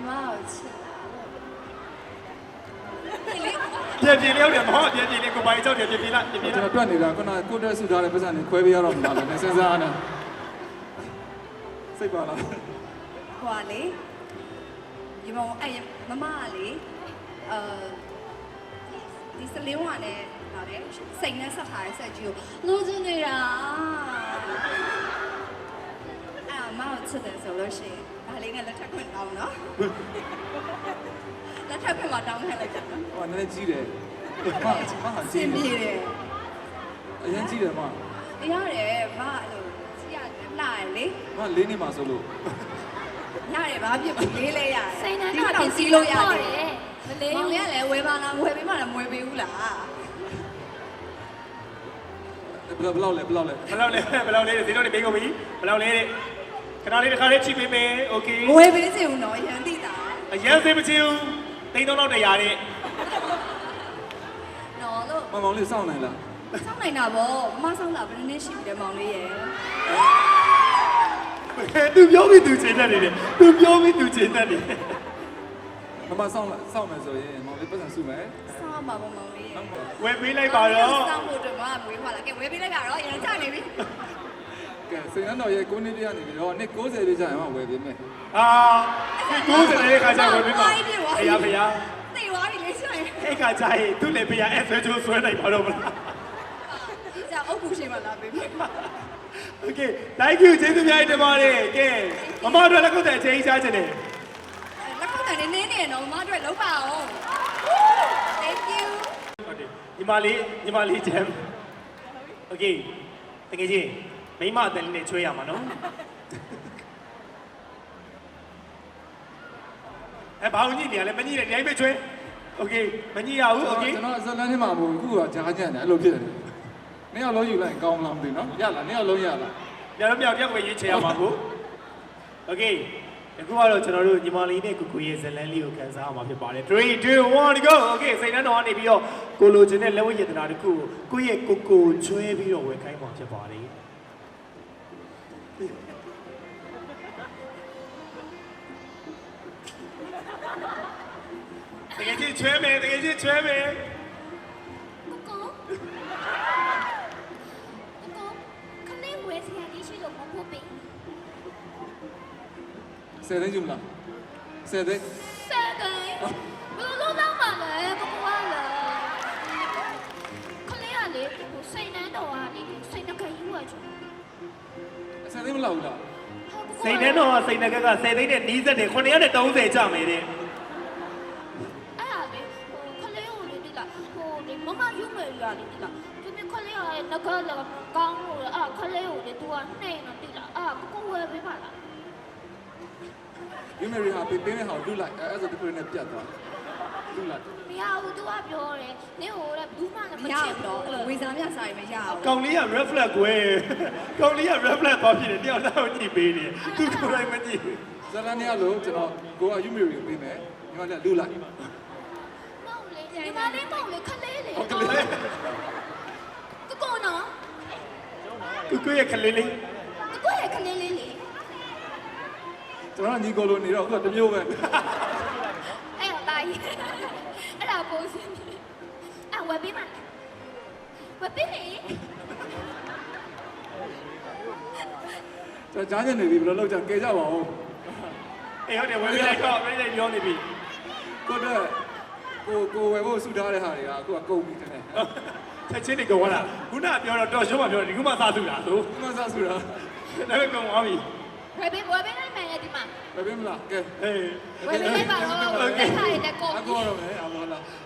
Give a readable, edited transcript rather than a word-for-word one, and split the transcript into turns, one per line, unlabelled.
妈好吃
ပြပြလေးဟုတ်တယ်မဟုတ်ပြပြလေးကိုပိုင်ကြောက်တယ်ပြပြလိုက်ပြပြ
ကျွန်
လိုက်
တော်တွက်နေတာခုနကိုတက်ဆူထားတဲ့ပတ်စံတွေခွဲပေးရတော့မလားလဲစဉ်းစားနေစိတ်ပါလား
ဟွာလေဒီမောင်အဲ့မမကလေဒီစလင်းဝါနဲ့လာတယ်စိတ်နဲ့ဆက်ထားတဲ့ဆက်ကြီးကိုလို့ချင်နေတာအဲ့မအောင်ချစ်တယ်ဆိုလို့ရှိရင်ဒါလေးနဲ့လက်ထပ်ခွင့်တောင်းနော်လက်ထပ်ခွင့်မှာတောင်းခဲ့လိုက်ကြနော်
ဟိုနည်းနည်းကြီးတယ်မဟာ
စ
ကြီး
င်
တယ်
ပြေတယ်
အရင်ကြီးတယ်မ
ရတယ်မအဲ့လိုကြည့်ရတယ်လှရလေ
မလေးနေမှာဆိုလို့
ရတယ်ဘာဖြစ်ဘူးလေးလဲရတယ်
စိတ်နဲ့
ဒီ
တော့
တော့
ပြင်
စီ
စီ
လို့
လို့
ရ
ရ
တ
တယ်ယ်မလေး
မောင်လေးကလည်းဝယ်ပါလားဝယ်ပေးမှလည်းမဝယ်ပေးဘူးလား
ဘယ်လောက်လဲ
ဘယ်လောက်လေးဒီတော့နေပေးကုန်ပြီဘယ်လောက်လေးခဏလေးတစ်ခါလေးချိပေးမယ်โอเค
မဝယ်ပေးချင်ဘူးနော်ရန်တိတာ
အရင်စေးမချင်ဘူးတိန်းတော့တော့တရားတဲ့
နော်လို့
မောင်လေးစောင့်နိုင်လား
စောင့်နိုင်တာဗောမစောင့်တာဘယ်နည်းရှိပြီလဲမောင်လေးရဲ့
သူပြောပြီးသူချိန်တတ်နေတယ်သူပြောပြီးသူချိန်တတ်နေတယ်
မစောင့်မယ်ဆိုရင်မောင်လေးပတ်စံစုမယ်
စောင့်ပါဗောမောင်လေးရဲ့
ဝယ်ပေးလိုက်ပါတော့
စောင့်ဖို့အတွက်မမွေးခွာလာကဲဝယ်ပေးလိုက်ပါတော့ရန်ချနေပြီ
ကဲစိန်နှတော်ရဲ့9နှစ်ပြည့်နေပြီတော့နှစ်90ပြည့်ကျရင်မှဝယ်ပေးမယ်
အာဒီ90တဲ့ခါကျဝယ်ပေးပါဖေရဖေရ
သိသွားပြီလေရှင်
အဲ့ခါကျရင်သူ့လည်းဖေရအဲ့ဆွဲချိုးဆွဲလိုက်ပါတော့မလား
ကြာအုတ်ကူရှိမှလာပေးမယ်
Okay thank you ကျေးဇူးများတင်ပါတယ်ကဲမမတို့လည်းခုတ်တဲ့အချိန်ရှားခြင်းတယ်
လက်ခုပ်တန်နေနေနော်မအတွက်လုံးပါအောင် Thank you
ဟုတ်တယ်ညီမလေးဂျမ် Okay တကယ်ကြီးမိမအတန်လေးနဲ့ချွေးရမှာနော်ဘာလို့ညစ်နေရလဲမညစ်နဲ့ဒီတိုင်းပဲချွေး Okay မညစ်ရဘူး Okay
ကျွန်တော်ဇလန်းထဲမှာမဟုတ်ဘူးခုကဂျားကြံတယ်အဲ့လိုဖြစ်တယ်နင်းအောင်လုံးယူလိုက်ကောင်းလားမသိနော်ရလားနင်းအောင်လုံးရလား
ညတော့မြောက်တယောက်ပဲရေးချေရမှာကို Okay အခုကတော့ကျွန်တော်တို့ညီမလေးနဲ့ကိုကိုရဲ့ဇလန်းလေးကိုခန်းစားအောင်မှာဖြစ်ပါတယ်3 2 1 go Okay စိတ်နှံတော်ကနေပြီးတော့ကိုလိုချင်တဲ့လက်ဝဲရတနာတစ်ခုကိုရဲ့ကိုချွဲပြီးတော့ဝယ်ခိုင်းမှာဖြစ်ပါတယ်တကယ်ကြီးချွဲမယ်တကယ်ကြီးချွဲမယ်
ကိုခလေးဝဲစီရလေးရှိလို့မဖို့ပေး
10သိန်းယူမလား10သိန်း
စက်ကိုဘယ်လိုလုပ်မှလဲကိုကလည်းခလေးကလေစိတ်နှံတော်ကလေစိတ်နှကယူရချင်
10သိန်းမလောက်ဘူးလား
စိတ်နှံတော်ကစိတ်နှကက10သိန်းနဲ့နီးစက်တယ်930ကျမယ်တဲ့
ခလေးကိုလေဒီလားဒီမမယူမယ်ရလေဒီလားသူကခလေးကလည်းငကားလည်းကောင်းလို့ခလေးကိုလေ तू ကနှိမ့်တော့ဒီလားကိုဝယ်ပေးပါလား
ယူမယ်ရီဟာပေးမဲ့ဟာကိုလူလိုက်အဲ့ဆိုဒီကိုနဲ့ပြတ်သွားလူလိုက်
မရဘူး तू ကပြောတယ်နင့်ဟိုလည်းဘူးမှလည်းမ
မရ
ချစ်
ဘူး
ဘူး
တော့ဝေစားမြစားရင်မရဘူး
ကောင်လေးက reflex ကွယ်ကောင်လေးက reflex သွားဖြစ်တယ်တယောက်လောက်ကြည့်ပေးတယ်သူကိုယ်တိုင်မကြည့်ဘူး
ဇလန်းထဲကလို့ကျွန်တော်ကိုကယူမယ်ရီကိုပေးမယ်ညီမလည်းလူလိုက်
မဟုတ်လေဒီမလေးမဟုတ်လေခလေးလေ
ဟုတ်ကလေး
ကိုနော်
သူကိုရဲ့ခလေးလေး
ကိုရဲ့ခလေးလေးလေ
ကျွန်တော်ညီကိုလိုနေတော့အခုတမျိုးပဲ
အဲ့ဒါတိုင်းအဲ့ဒါပိုးစင်းဝယ်ပေးမှာဝယ်ပေးလေ
ကျွန်တော်ကြားနေပြီဘယ်လိုလုပ်ကြကဲကြပါဦး
အေးဟုတ်တယ်ဝယ်ပေးလိုက်တော့ပြည့်နေပြောနေပြီ
ကိုတက်ကိုဝယ်ဖို့ဆူထားတဲ့ဟာတွေကအခုကကုန်ပြီတဲ့
ချက်ချင်းတွေကုန်သွားတာခုနကပြောတော့တော်ရှုံးမှပြောတယ်ဒီခုမှစားစုတာဆို
ဒီမှာစဆူတာ
ဒါပေမဲ့ကုန်သွားပြီ
ဝယ်ပေးလိုက်မယ်ဒီမှာ
ပဲပေးမလားကဲ
အေး
ဝယ်ပေးလိုက်ပါတော့လက်ခါရတဲ့ကုန်
အခုတော့မယ်အမောလား